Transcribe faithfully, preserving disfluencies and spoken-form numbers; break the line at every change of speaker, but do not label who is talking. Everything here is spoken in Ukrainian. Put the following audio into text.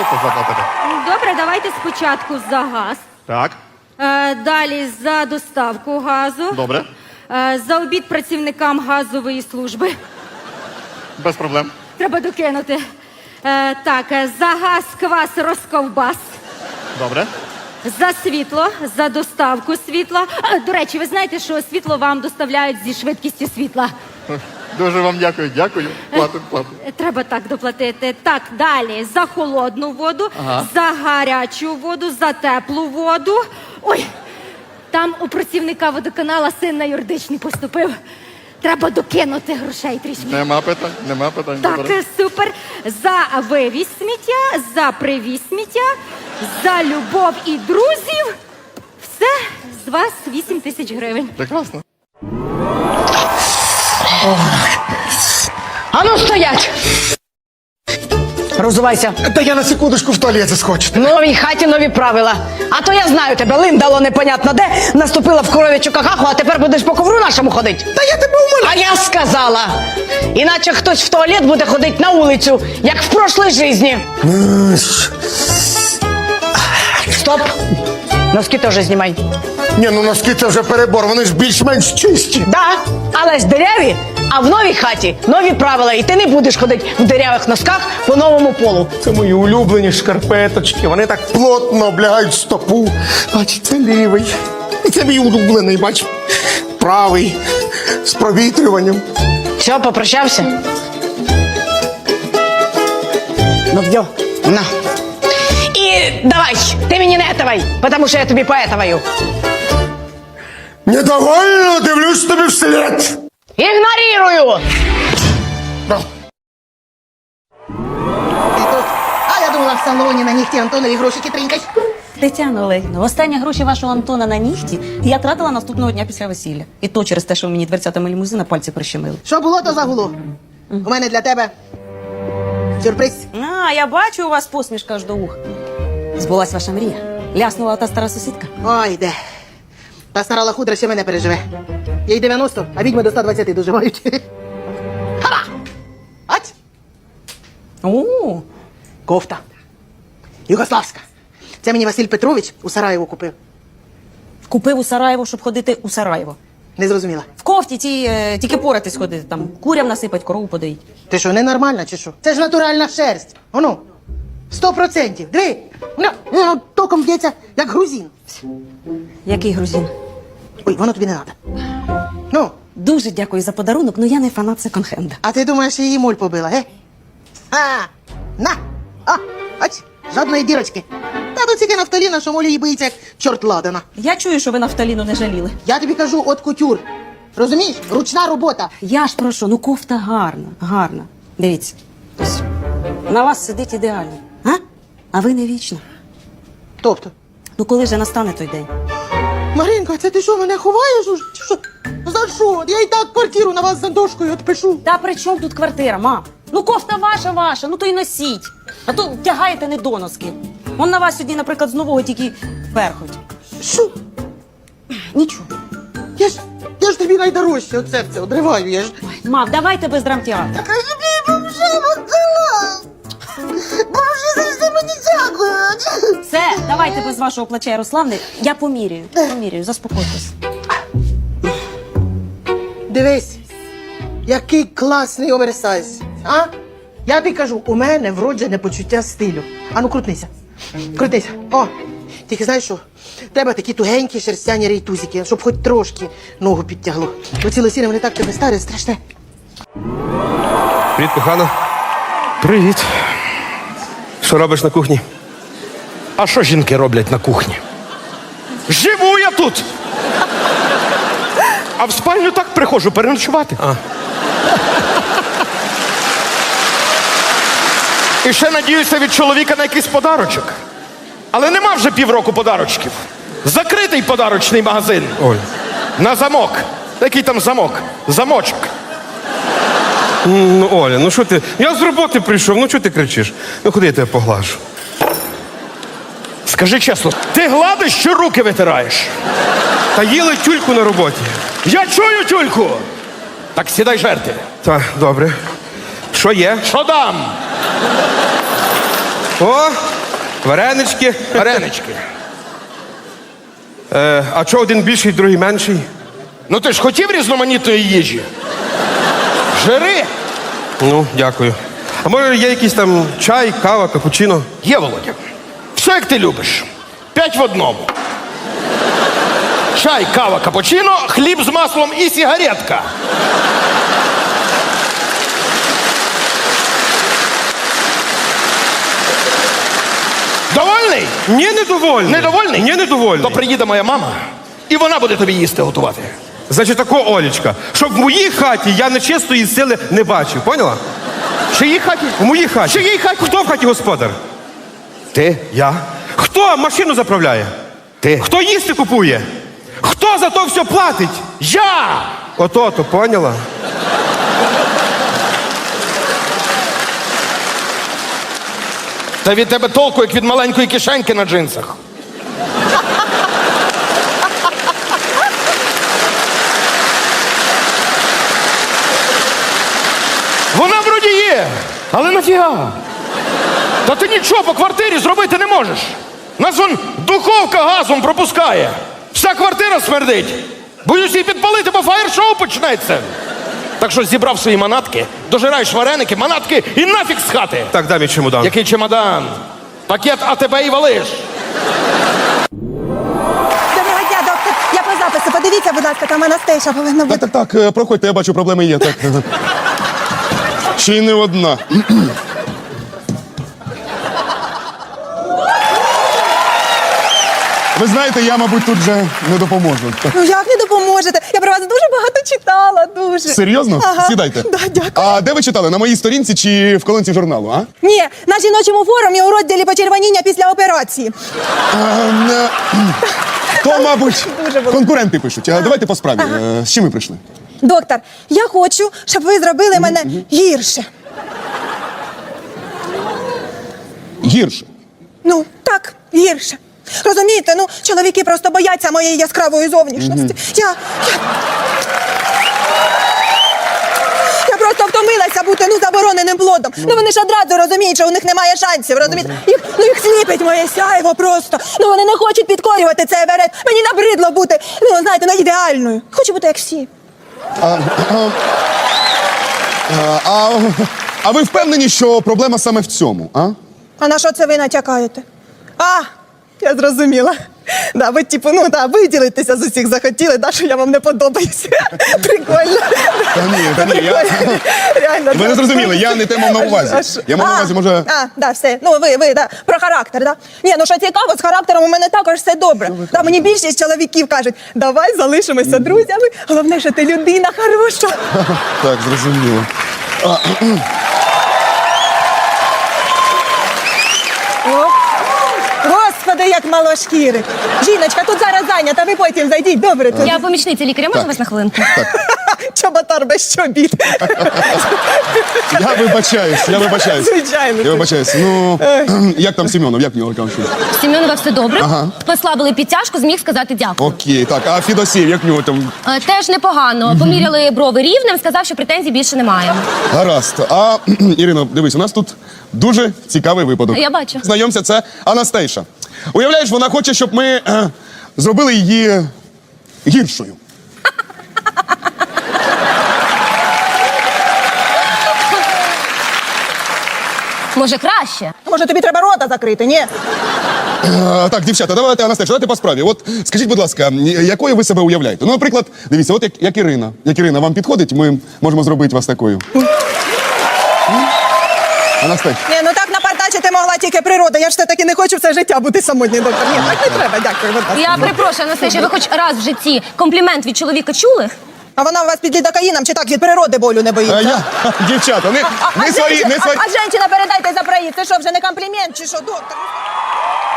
просто заплатити.
Добре, давайте спочатку за газ.
Так,
Е, далі за доставку газу.
добре.
Е, за обід працівникам газової служби.
Без проблем.
Треба докинути. Е, так, е, за газ, квас, розковбас.
Добре.
За світло, за доставку світла. Е, до речі, ви знаєте, що світло вам доставляють зі швидкістю світла.
Дуже вам дякую, дякую. Платим, платим.
Е, Треба так доплатити. Так, далі за холодну воду,
Ага.
за гарячу воду, за теплу воду. Ой, там у працівника водоканала син на юридичний поступив. Треба докинути грошей трішки.
Нема питань, нема питань.
Так,
Добре.
е, супер. За вивіз сміття, за привіз сміття, за любов і друзів. Все, з вас вісім тисяч гривень.
Прекрасно.
А ну стоять! Розувайся.
Та я на секундочку в туалет заскочу.
В новій хаті нові правила. А то я знаю тебе, линдало непонятно де, наступила в коров'ячу какаху, а тепер будеш по ковру нашому ходить.
Та я тебе умоляю.
А я сказала, іначе хтось в туалет буде ходити на вулицю, як в прошлій житті. Стоп! Носки теж знімай.
Ні, ну носки це вже перебор, вони ж більш-менш чисті.
Да, але ж диряві, а в новій хаті нові правила, і ти не будеш ходити в дирявих носках по новому полу.
Це мої улюблені шкарпеточки, вони так плотно облягають стопу. Бач, це лівий. І це мій улюблений, бач, правий, з провітрюванням.
Все, попрощався? Ну, в'йо, на. І давай, ти мені не етавай, тому що я тобі поетаваю.
Недовольно дивлюсь тобі вслед.
Ігнорірую!
А я думала, в салоні на нігті Антонові грошики тринькать.
Тетяно Олегівно, останні гроші вашого Антона на нігті я тратила наступного дня після весілля. І то через те, що ви мені дверцятами лімузина пальці прищемили.
Що було, то загуло. У мене для тебе сюрприз.
А, я бачу у вас посмішка аж до ух. Збулась ваша мрія. Ляснула та стара сусідка.
Ой, де. Та стара лахудра ще мене переживе. Їй дев'яносто, а відьми до ста двадцяти доживають. Ха! Ать!
О,
Кофта. Югославська. Це мені Василь Петрович у Сараєву купив.
купив у Сараєво, щоб ходити у Сараєво.
Не зрозуміла.
В кофті ті, е, тільки поратись ходити, там курям насипать, корову подоїть.
Ти що, ненормальна чи що? Це ж натуральна шерсть. Ону. Сто процентів. Диви. Ну, ну, током б'ється, як грузин.
Який грузин?
Ой, воно тобі не треба. Ну,
Дуже дякую за подарунок, але я не фанат секонд-хенда.
а ти думаєш, її моль побила, ге? А, на! А, ось, жодної дірочки. Та тут тільки нафталіна, що моль її боїться, як чорт ладана.
Я чую, що ви нафталіну не жаліли.
Я тобі кажу, от кутюр. Розумієш? Ручна робота.
Я ж прошу, ну кофта гарна, гарна. Дивіться, ось на вас сидить ідеально, а? А ви не вічно.
Тобто,
Ну коли же настане той день?
Маринка, це ти що, мене ховаєш? уже? Чи що? За що? Я і так квартиру на вас за дошкою відпишу.
Та при чому тут квартира, мам? Ну кофта ваша, ваша, ну то й носіть. А то тягаєте недоноски. Он на вас сьогодні, наприклад, з нового тільки перхоть.
Що?
Нічого.
Я ж, я ж тобі найдорожче від серця одриваю, я ж...
Мам, давайте без драмтеатру.
Так, а тобі бомжа віддала. Бомжі завжди мені дякують.
Все, давайте без вашого плача Ярославни. Я поміряю, поміряю, заспокойтесь.
Дивись, який класний оверсайз, а? Я тобі кажу, у мене вроджене почуття стилю. Ану, крутнися. Крутнися. О, тільки знаєш що? Треба такі тугенькі шерстяні рейтузики, щоб хоч трошки ногу підтягло. Бо ці лосіни, вони так тебе старі, страшне.
Привіт, кохана. Привіт. Що робиш на кухні?
А що жінки роблять на кухні? Живу я тут! А в спальню так приходжу переночувати.
А.
І ще надіюся від чоловіка на якийсь подарочок. Але нема вже півроку подарочків. Закритий подарочний магазин.
Оль.
На замок. Який там замок? Замочок.
Ну, Оля, ну що ти? Я з роботи прийшов, ну чого ти кричиш? Ну ходи, я тебе поглажу.
Скажи чесно, ти гладиш чи руки витираєш?
Та їли тюльку на роботі.
Я чую тюльку! Так сідай жерти.
Так, добре. Що є?
Що дам?
О, варенички.
Варенички.
Е, а чого один більший, другий менший?
Ну ти ж хотів різноманітної їжі? Жири.
Ну, дякую. А може є якийсь там чай, кава, капучино?
Є, Володя. Все, як ти любиш. П'ять в одному. Чай, кава, капучино, хліб з маслом і сигаретка. Довольний?
Ні, недовольний.
Недовольний?
Ні, недовольний.
То приїде моя мама, і вона буде тобі їсти готувати.
Значить, тако, Олечка, щоб в моїй хаті я нечистої сили не бачив, поняла?
В чиїй хаті?
В моїй хаті.
В чиїй хаті?
Хто в хаті господар?
Ти?
Я. Хто машину заправляє?
Ти.
Хто їсти купує? Хто за то все платить?
Я!
Ото-то, поняла?
Та від тебе толку, як від маленької кишеньки на джинсах. Вона вроді є, але нафіга? Та ти нічого по квартирі зробити не можеш. Нас вон духовка газом пропускає. Вся квартира смердить. Боюсь її підпалити, бо фаєр-шоу почнеться. Так що зібрав свої манатки, дожираєш вареники, манатки і нафіг з хати.
Так, дай мій чемодан.
Який чемодан? Пакет АТБ і валиш.
Доброго дня, доктор. Я по запису. Подивіться, будь ласка, там Анастейша повинна
Так,
бути.
так, так, е, проходьте, я бачу, проблеми є. Так. Ще й не одна. Ви знаєте, я, мабуть, тут вже не допоможу.
Ну як не допоможете? Я про вас дуже багато читала, дуже.
Серйозно?
Ага.
Сідайте.
Да, дякую.
А де ви читали? На моїй сторінці чи в колонці журналу, а?
Ні, на жіночому форумі у розділі почервоніння після операції.
Ем, е, То, мабуть,
Дуже було.
конкуренти пишуть. А давайте по справі. Е, З чим ви прийшли?
Доктор, я хочу, щоб ви зробили мене гірше.
Гірше.
Ну, так, гірше. Розумієте, ну, чоловіки просто бояться моєї яскравої зовнішності. Я, я... Я просто втомилася бути, ну, забороненим плодом. Ну, вони ж одразу розуміють, що у них немає шансів, розумієте? Їх, ну, їх сліпить моє сяйво просто. Ну, вони не хочуть підкорювати цей верет. Мені набридло бути, ну, знаєте, ну, ідеальною. Хочу бути як всі.
А, а, а ви впевнені, що проблема саме в цьому, а?
А на що це ви натякаєте? А, я зрозуміла. Да, ви, типу, ну, да, виділитися з усіх захотіли, да, що я вам не подобаюся. Прикольно.
Та ні, та ні, я...
Прикольно. Реально.
Ви не
да.
зрозуміли, я не те мав на
А що-
увазі.
а що?
Я мав на
А,
увазі, може...
А, да, все. Ну, ви, ви, да. Про характер, да? Ні, ну що цікаво, з характером у мене також все добре. Да, мені більшість чоловіків кажуть, давай залишимося друзями, головне, що ти людина хороша.
Так, зрозуміло.
О, Господи, як мало шкіри. Жіночка, тут зараз зайнята, ви потім зайдіть, добре тут.
Я помічниця лікаря, можна вас на хвилинку?
Чоботар без чобіт.
Я вибачаюсь, я вибачаюсь.
Звичайно.
Я вибачаюсь. Ну, як там Семенов, як в нього там?
В Сім'онова все добре. Послабили підтяжку, зміг сказати дякую.
Окей, так, а Фідосів, як в нього там?
Е, Теж непогано. Поміряли брови рівнем, сказав, що претензій більше немає.
Гаразд. А, Ірино, дивись, у нас тут дуже цікавий випадок.
Я бачу.
Знайомся, це Анастейша. Уявляєш, вона хоче, щоб ми е, зробили її гіршою.
Може, краще?
Може, тобі треба рота закрити, ні?
Е, так, дівчата, давайте, Анастейша, давайте по справі. От скажіть, будь ласка, якою ви себе уявляєте? Ну, наприклад, дивіться, от як, як Ірина. Як Ірина вам підходить, ми можемо зробити вас такою. Анастейша.
Ні, ну так напартачити могла тільки природа. Я ж все-таки не хочу все життя бути самотньою, доктор. Ні, так не треба, дякую. Будь ласка.
Я перепрошую, Анастасія, ви хоч раз в житті комплімент від чоловіка чули?
А вона у вас під лідокаїном чи так від природи болю не боїться?
Е, я, дівчата, не,
А, а,
не свої,
женщина-
не свої.
а, а женщина, передайте за проїзд. Це що, вже не комплімент чи що, доктор?